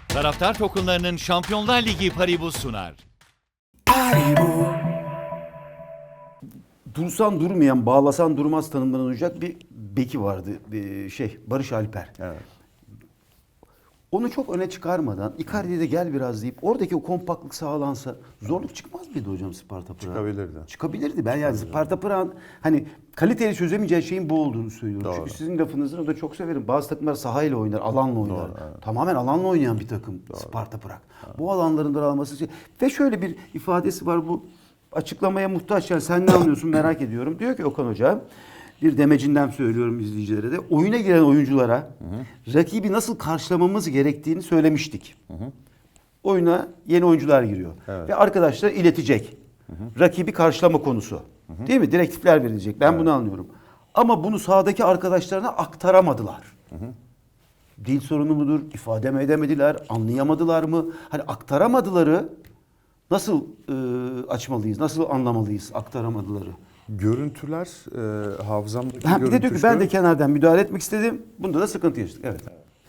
Taraftar tokenlarının Şampiyonlar Ligi Paribu sunar. Dursan durmayan, bağlasan durmaz tanımlanacak bir beki vardı. Barış Alper. Evet. Onu çok öne çıkarmadan Icardi'ye de gel biraz deyip oradaki o kompaktlık sağlansa zorluk çıkmaz mıydı hocam Sparta Prag? Çıkabilirdi. Çıkabilirdi. Ben yani Sparta Prag'ın hani kaliteli çözemeyeceği şeyin bu olduğunu söylüyorum. Doğru. Çünkü sizin lafınızı da çok severim. Bazı takımlar sahayla oynar, alanla oynar. Doğru, evet. Tamamen alanla oynayan bir takım Sparta Prag. Bu alanların daralması ve şöyle bir ifadesi var, bu açıklamaya muhtaç. Yani sen ne anlıyorsun merak ediyorum. Diyor ki Okan Hoca, bir demecinden söylüyorum izleyicilere de, oyuna giren oyunculara rakibi nasıl karşılamamız gerektiğini söylemiştik. Oyuna yeni oyuncular giriyor. Evet. Ve arkadaşlar iletecek. Rakibi karşılama konusu. Değil mi? Direktifler verilecek. Ben bunu anlıyorum. Ama bunu sahadaki arkadaşlarına aktaramadılar. Dil sorunu mudur? İfade mi edemediler? Anlayamadılar mı? Hani aktaramadıları nasıl açmalıyız? Nasıl anlamalıyız aktaramadıları? Görüntüler, hafızamdaki Bir de görüntü diyor ki ben de kenardan müdahale etmek istedim. Bunda da sıkıntı yaşadık. Evet.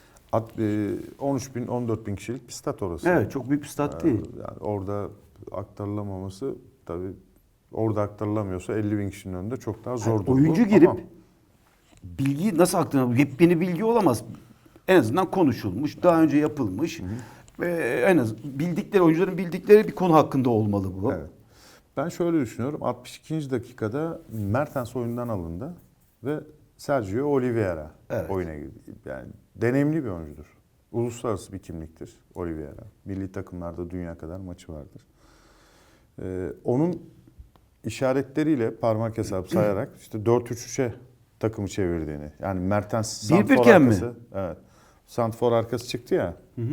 13 bin, 14 bin kişilik bir stat orası. Evet, çok büyük bir stat değil. Yani orada aktarılamaması tabii, orada aktarılamıyorsa 50 bin kişinin önünde çok daha zor. Oyuncu girip bilgiyi nasıl aktarılır? Yepyeni bilgi olamaz. En azından konuşulmuş, daha önce yapılmış ve en az bildikleri, oyuncuların bildikleri bir konu hakkında olmalı bu. Evet. Ben şöyle düşünüyorum. 62. dakikada Mertens oyundan alındı ve Sergio Oliveira oyuna girdi. Yani deneyimli bir oyuncudur. Uluslararası bir kimliktir Oliveira. Milli takımlarda dünya kadar maçı vardır. Onun işaretleriyle parmak hesabı sayarak işte 4-3-3'e takımı çevirdiğini. Yani Mertens santfor arkası. mi? Evet. Santfor arkası çıktı ya.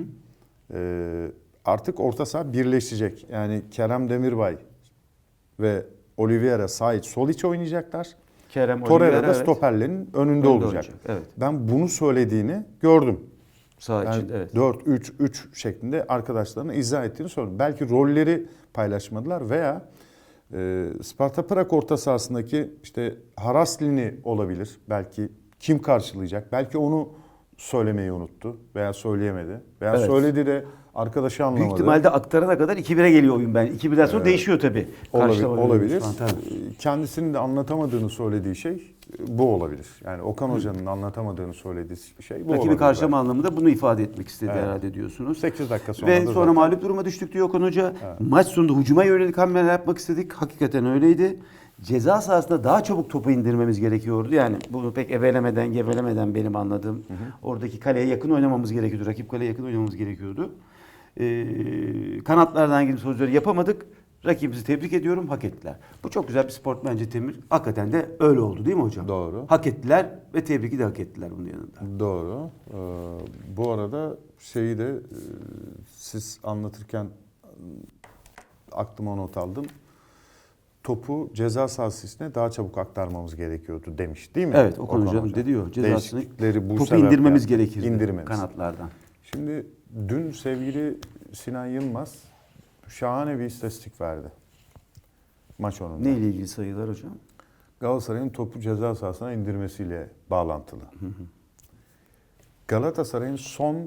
Artık orta saha birleşecek. Yani Kerem Demirbay ve Oliveira sağ iç sol iç oynayacaklar. Kerem, Torreira Oliveira, da stoperlerin önünde olacak. Evet. Ben bunu söylediğini gördüm. Sağ Yani için, evet. 4-3-3 şeklinde arkadaşlarına izah ettiğini söyledim. Belki rolleri paylaşmadılar veya Sparta Prag orta sahasındaki işte Haraslini olabilir. Belki kim karşılayacak? Belki onu söylemeyi unuttu veya söyleyemedi. Veya Evet. söyledi de arkadaşı anlamadı. Büyük ihtimalle aktarana kadar 2-1'e geliyor oyun ben. 2-1'den sonra değişiyor tabii. Olabilir. Falan, tabii. Kendisinin de anlatamadığını söylediği şey bu olabilir. Yani Okan Hoca'nın anlatamadığını söylediği şey bu olabilir. Rakibi karşılama anlamında bunu ifade etmek istedi herhalde diyorsunuz. 8 dakika sonra Ve da sonra zaten- mağlup duruma düştük diyor Okan Hoca. Maç sonunda hücuma yönelik hamleler yapmak istedik. Hakikaten öyleydi. Ceza sahasında daha çabuk topu indirmemiz gerekiyordu. Yani bunu pek evelemeden, gevelemeden benim anladığım. Oradaki kaleye yakın oynamamız gerekiyordu. Rakip kaleye yakın oynamamız gerekiyordu. Kanatlardan girip sözleri yapamadık. Rakibimizi tebrik ediyorum, hak ettiler. Bu çok güzel bir sport bence Temir. Hakikaten de öyle oldu değil mi hocam? Doğru. Hak ettiler ve tebriki de hak ettiler bunun yanında. Doğru. Bu arada şeyi de siz anlatırken aklıma not aldım. Topu ceza sahası içine daha çabuk aktarmamız gerekiyordu demiş değil mi? Evet, Okan Hoca'nın de diyor. Cezasını Değişiklikleri bu topu sebeple indirmemiz gerekirdi indirmemiz. kanatlardan. Şimdi dün sevgili Sinan Yılmaz şahane bir istatistik verdi maç sonunda. Neyle ilgili sayılar hocam? Galatasaray'ın topu ceza sahasına indirmesiyle bağlantılı. Galatasaray'ın son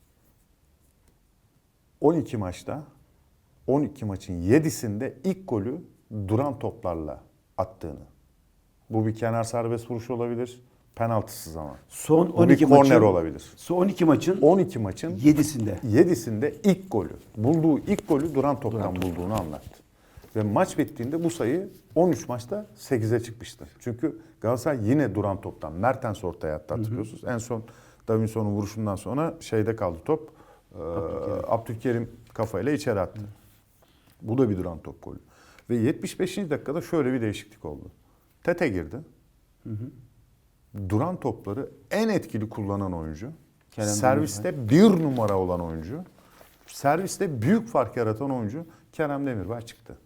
12 maçta 12 maçın 7'sinde ilk golü duran toplarla attığını. Bu bir kenar serbest vuruş olabilir. Penaltısız ama. Son Bu bir 12 korner maçın olabilir. Son 12 maçın 12 maçın 7'sinde. 7'sinde ilk golü. Bulduğu ilk golü duran toptan bulduğunu anlattı. Ve maç bittiğinde bu sayı 13 maçta 8'e çıkmıştır. Çünkü Galatasaray yine duran toptan. Mertens ortaya attı, hatırlıyorsunuz. En son Davinson'un vuruşundan sonra şeyde kaldı top. Abdülkerim kafayla içeri attı. Bu da bir duran top golü. Ve 75. dakikada şöyle bir değişiklik oldu. Tete girdi. Duran topları en etkili kullanan oyuncu. Kerem Serviste bir numara olan oyuncu. Serviste büyük fark yaratan oyuncu Kerem Demirbay çıktı.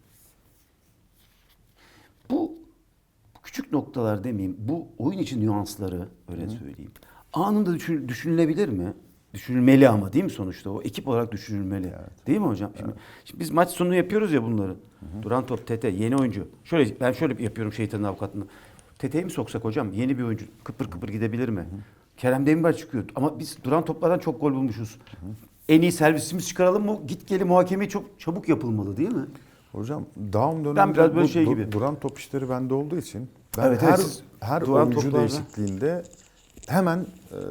Bu küçük noktalar demeyeyim, bu oyun için nüansları öyle söyleyeyim. Anında düşünülebilir mi? Düşünülmeli ama değil mi sonuçta? O ekip olarak düşünülmeli. Değil mi hocam? Şimdi biz maç sonu yapıyoruz ya bunları. Duran top, Tete, yeni oyuncu. Ben şöyle yapıyorum şeytanın avukatlığını. Tete'yi mi soksak hocam? Yeni bir oyuncu. Kıpır kıpır gidebilir mi? Kerem Demirbay çıkıyor. Ama biz duran toplardan çok gol bulmuşuz. en iyi servisimiz çıkaralım mı? Git geli muhakeme çok çabuk yapılmalı değil mi? Hocam Daum döneminde Ben biraz böyle bu şey gibi. duran top işleri bende olduğu için ben Evet, evet, siz her duran oyuncu toplarda- değişikliğinde hemen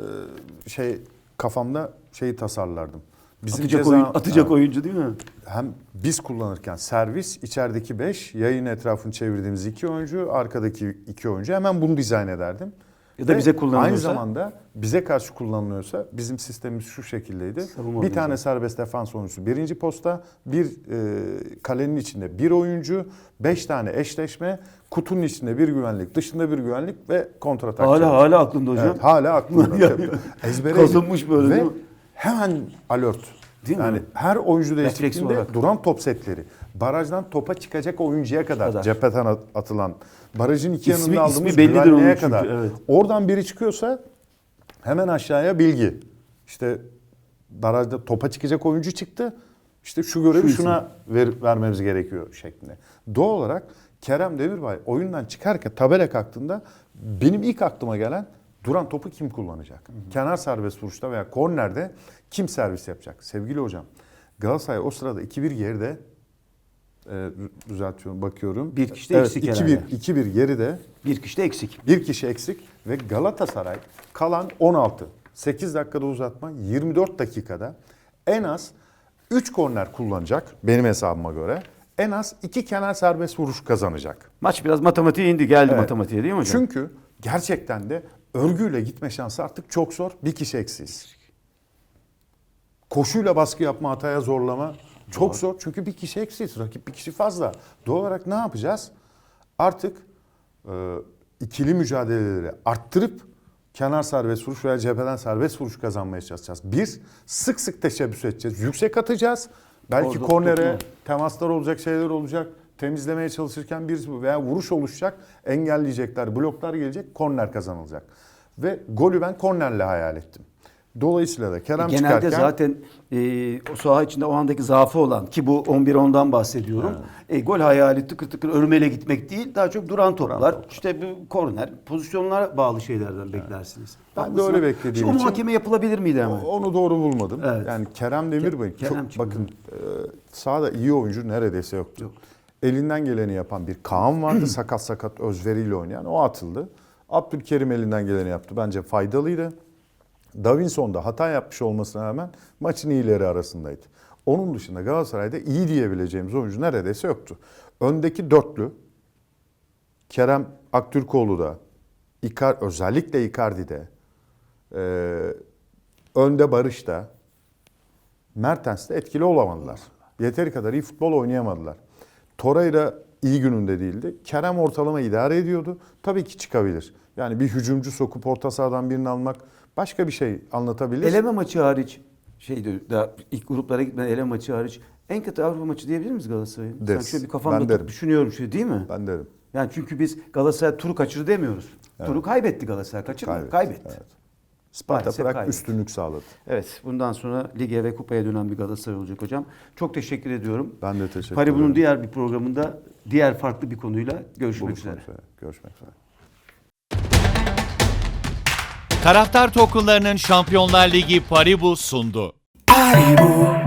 kafamda şeyi tasarlardım. Bizim Atacak Evet. oyuncu değil mi? Hem biz kullanırken servis, içerideki 5, yayın etrafını çevirdiğimiz 2 oyuncu, arkadaki 2 oyuncu, hemen bunu dizayn ederdim. Ya da Ve bize kullanılıyorsa? Aynı zamanda bize karşı kullanılıyorsa bizim sistemimiz şu şekildeydi. Savunma Bir tane serbest defans oyuncusu birinci posta, bir kalenin içinde bir oyuncu, 5 tane eşleşme, kutunun içinde bir güvenlik, dışında bir güvenlik ve kontratak. Hala aklımda hocam. Evet, hala aklımda. Yani Ezbere kazınmış böyle ve değil mi? hemen alert. Değil mi? Yani her oyuncu Refleks değişikliğinde olarak. duran top setleri. Barajdan topa çıkacak oyuncuya kadar. Cepheden atılan. Barajın iki İsmi- yanında aldığımız ismi bellidir onun güvenliğe çünkü, kadar. evet. Oradan biri çıkıyorsa hemen aşağıya bilgi. İşte barajda topa çıkacak oyuncu çıktı. İşte şu görevi şuna vermemiz gerekiyor şeklinde. Doğal olarak Kerem Demirbay oyundan çıkarken tabela kalktığında benim ilk aklıma gelen duran topu kim kullanacak? Kenar serbest vuruşta veya kornerde kim servis yapacak? Sevgili hocam, Galatasaray o sırada 2-1 geride, düzeltiyorum, bakıyorum. Bir kişi de eksik herhalde. 2-1 geride, Bir kişi de eksik. bir kişi eksik ve Galatasaray kalan 16, 8 dakikada uzatma, 24 dakikada en az 3 korner kullanacak benim hesabıma göre. En az 2 kenar serbest vuruş kazanacak. Maç biraz matematiğe indi. Geldi Evet. matematiğe değil mi hocam? Çünkü gerçekten de örgüyle gitme şansı artık çok zor. Bir kişi eksiz. Koşuyla baskı yapma, hataya zorlama çok zor. Çünkü bir kişi eksiz. Rakip bir kişi fazla. Doğal olarak ne yapacağız? Artık ikili mücadeleleri arttırıp kenar serbest vuruş veya cepheden serbest vuruş kazanmaya çalışacağız. Bir, sık sık teşebbüs edeceğiz. Yüksek atacağız. Belki Orada kornere tutma. temaslar olacak, şeyler olacak. Temizlemeye çalışırken bir veya vuruş oluşacak. Engelleyecekler, bloklar gelecek, korner kazanılacak. Ve golü ben kornerle hayal ettim. Dolayısıyla da Kerem Genelde çıkarken... zaten o saha içinde o andaki zaafı olan ki bu 11-10'dan bahsediyorum. Gol hayali tıkır tıkır örmele gitmek değil, daha çok duran toplar. İşte bu korner, pozisyonlara bağlı şeylerden beklersiniz. Ben de Haklısın. öyle beklediğim Şu için- muhakeme yapılabilir miydi hemen? Onu doğru bulmadım. Evet. Yani Kerem Demirbay Kerem çok çıktı. bakın sahada iyi oyuncu neredeyse yoktu. Elinden geleni yapan bir Kaan vardı. sakat özveriyle oynayan. O atıldı. Abdülkerim elinden geleni yaptı. Bence faydalıydı. Davinson da hata yapmış olmasına rağmen maçın iyileri arasındaydı. Onun dışında Galatasaray'da iyi diyebileceğimiz oyuncu neredeyse yoktu. Öndeki dörtlü Kerem Aktürkoğlu'da, özellikle Icardi'de, önde Barış'ta, Mertens'te etkili olamadılar. Yeteri kadar iyi futbol oynayamadılar. Torreira iyi gününde değildi. Kerem ortalama idare ediyordu. Tabii ki çıkabilir. Yani bir hücumcu sokup orta sahadan birini almak başka bir şey anlatabilir. Eleme maçı hariç daha ilk gruplara gitmeden eleme maçı hariç en kötü Avrupa maçı diyebilir miyiz Galatasaray'ın? Sen Deriz. şöyle bir Ben kafamda derim. düşünüyorum şöyle değil mi? Ben derim. Yani çünkü biz Galatasaray turu kaçırdı demiyoruz. Turu kaybetti Galatasaray. Kaçırmadı. Kaybetti. Evet. Sparta Maalesef Prag kaybetti. üstünlük sağladı. Evet, bundan sonra lige ve kupaya dönen bir Galatasaray olacak hocam. Çok teşekkür ediyorum. Ben de teşekkür Paribu'nun ederim. diğer bir programında diğer farklı bir konuyla görüşmek üzere. Buluşmak üzere. Görüşmek üzere. Taraftar Tokenlarının Şampiyonlar Ligi Paribu sundu. Paribu,